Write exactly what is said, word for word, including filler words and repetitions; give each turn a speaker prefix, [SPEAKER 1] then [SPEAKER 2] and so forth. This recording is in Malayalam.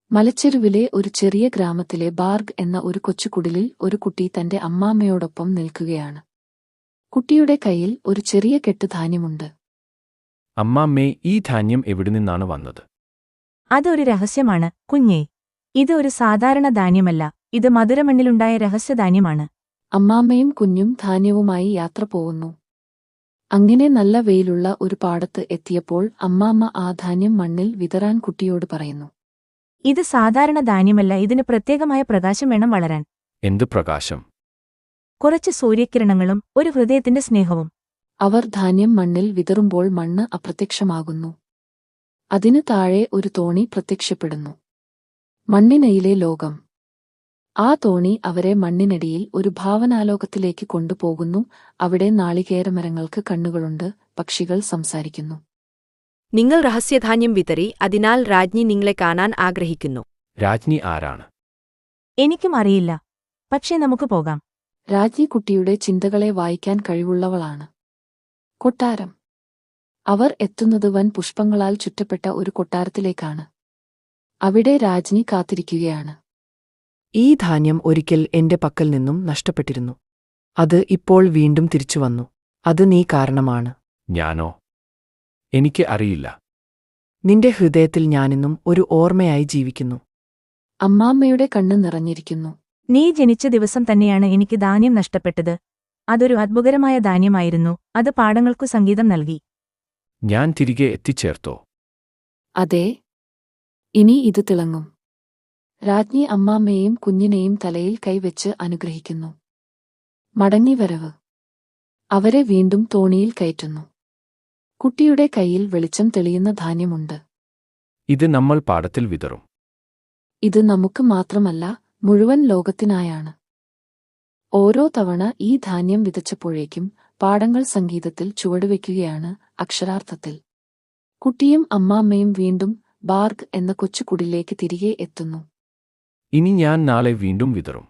[SPEAKER 1] മലച്ചെരുവിലെ ഒരു ചെറിയ ഗ്രാമത്തിലെ ബാർഗ് എന്ന ഒരു കൊച്ചുകുടിലിൽ ഒരു കുട്ടി തന്റെ അമ്മാമ്മയോടൊപ്പം നിൽക്കുകയാണ്. കുട്ടിയുടെ കയ്യിൽ ഒരു ചെറിയ കെട്ട് ധാന്യമുണ്ട്.
[SPEAKER 2] അമ്മാമ്മേ, ഈ ധാന്യം എവിടുനിന്നാണ് വന്നത്?
[SPEAKER 3] അതൊരു രഹസ്യമാണ്, കുഞ്ഞേ. ഇത് ഒരു സാധാരണ ധാന്യമല്ല, ഇത് മധുരമണ്ണിലുണ്ടായ രഹസ്യധാന്യമാണ്.
[SPEAKER 1] അമ്മാമ്മയും കുഞ്ഞും ധാന്യവുമായി യാത്ര പോകുന്നു. അങ്ങനെ നല്ല വെയിലുള്ള ഒരു പാടത്ത് എത്തിയപ്പോൾ അമ്മാമ്മ ആ ധാന്യം മണ്ണിൽ വിതറാൻ കുട്ടിയോട് പറയുന്നു.
[SPEAKER 3] ഇത് സാധാരണ ധാന്യമല്ല, ഇതിന് പ്രത്യേകമായ പ്രകാശം വേണം വളരാൻ.
[SPEAKER 2] എന്ത് പ്രകാശം?
[SPEAKER 3] കുറച്ച് സൂര്യകിരണങ്ങളും ഒരു ഹൃദയത്തിന്റെ സ്നേഹവും.
[SPEAKER 1] അവർ ധാന്യം മണ്ണിൽ വിതറുമ്പോൾ മണ്ണ് അപ്രത്യക്ഷമാകുന്നു. അതിന് താഴെ ഒരു തോണി പ്രത്യക്ഷപ്പെടുന്നു. മണ്ണിനയിലെ ലോകം. ആ തോണി അവരെ മണ്ണിനടിയിൽ ഒരു ഭാവനാലോകത്തിലേക്ക് കൊണ്ടുപോകുന്നു. അവിടെ നാളികേരമരങ്ങൾക്ക് കണ്ണുകളുണ്ട്, പക്ഷികൾ സംസാരിക്കുന്നു.
[SPEAKER 4] നിങ്ങൾ രഹസ്യധാന്യം വിതറി, അതിനാൽ രാജ്ഞി നിങ്ങളെ കാണാൻ ആഗ്രഹിക്കുന്നു.
[SPEAKER 2] രാജ്ഞി ആരാണ്?
[SPEAKER 3] എനിക്കും അറിയില്ല, പക്ഷേ നമുക്ക് പോകാം.
[SPEAKER 1] രാജ്ഞി കുട്ടിയുടെ ചിന്തകളെ വായിക്കാൻ കഴിവുള്ളവളാണ്. കൊട്ടാരം. അവർ എത്തുന്നത് വൻ പുഷ്പങ്ങളാൽ ചുറ്റപ്പെട്ട ഒരു കൊട്ടാരത്തിലേക്കാണ്. അവിടെ രാജ്ഞി കാത്തിരിക്കുകയാണ്.
[SPEAKER 5] ഈ ധാന്യം ഒരിക്കൽ എന്റെ പക്കൽ നിന്നും നഷ്ടപ്പെട്ടിരുന്നു. അത് ഇപ്പോൾ വീണ്ടും തിരിച്ചുവന്നു. അത് നീ കാരണമാണ്.
[SPEAKER 2] ഞാനോ? എനിക്ക് അറിയില്ല.
[SPEAKER 5] നിന്റെ ഹൃദയത്തിൽ ഞാനിന്നും ഒരു ഓർമ്മയായി ജീവിക്കുന്നു.
[SPEAKER 1] അമ്മാമ്മയുടെ കണ്ണ് നിറഞ്ഞിരിക്കുന്നു.
[SPEAKER 3] നീ ജനിച്ച ദിവസം തന്നെയാണ് എനിക്ക് ധാന്യം നഷ്ടപ്പെട്ടത്. അതൊരു അത്ഭുതകരമായ ധാന്യമായിരുന്നു, അത് പാടങ്ങൾക്കു സംഗീതം നൽകി.
[SPEAKER 2] ഞാൻ തിരികെ എത്തിച്ചേർത്തോ?
[SPEAKER 1] അതെ, ഇനി ഇത് തിളങ്ങും. രാജ്ഞി അമ്മാമ്മയെയും കുഞ്ഞിനെയും തലയിൽ കൈവച്ച് അനുഗ്രഹിക്കുന്നു. മടങ്ങിവരവ്. അവരെ വീണ്ടും തോണിയിൽ കയറ്റുന്നു. കുട്ടിയുടെ കയ്യിൽ വെളിച്ചം തെളിയുന്ന ധാന്യമുണ്ട്.
[SPEAKER 2] ഇത് നമ്മൾ പാടത്തിൽ വിതറും.
[SPEAKER 1] ഇത് നമുക്ക് മാത്രമല്ല, മുഴുവൻ ലോകത്തിനായാണ്. ഓരോ തവണ ഈ ധാന്യം വിതച്ചപ്പോഴേക്കും പാടങ്ങൾ സംഗീതത്തിൽ ചുവടുവെക്കുകയാണ്, അക്ഷരാർത്ഥത്തിൽ. കുട്ടിയും അമ്മാമ്മയും വീണ്ടും ബാർഗ് എന്ന കൊച്ചുകുടിലേക്ക് തിരികെ എത്തുന്നു.
[SPEAKER 2] ഇനി ഞാൻ നാളെ വീണ്ടും വിതറും.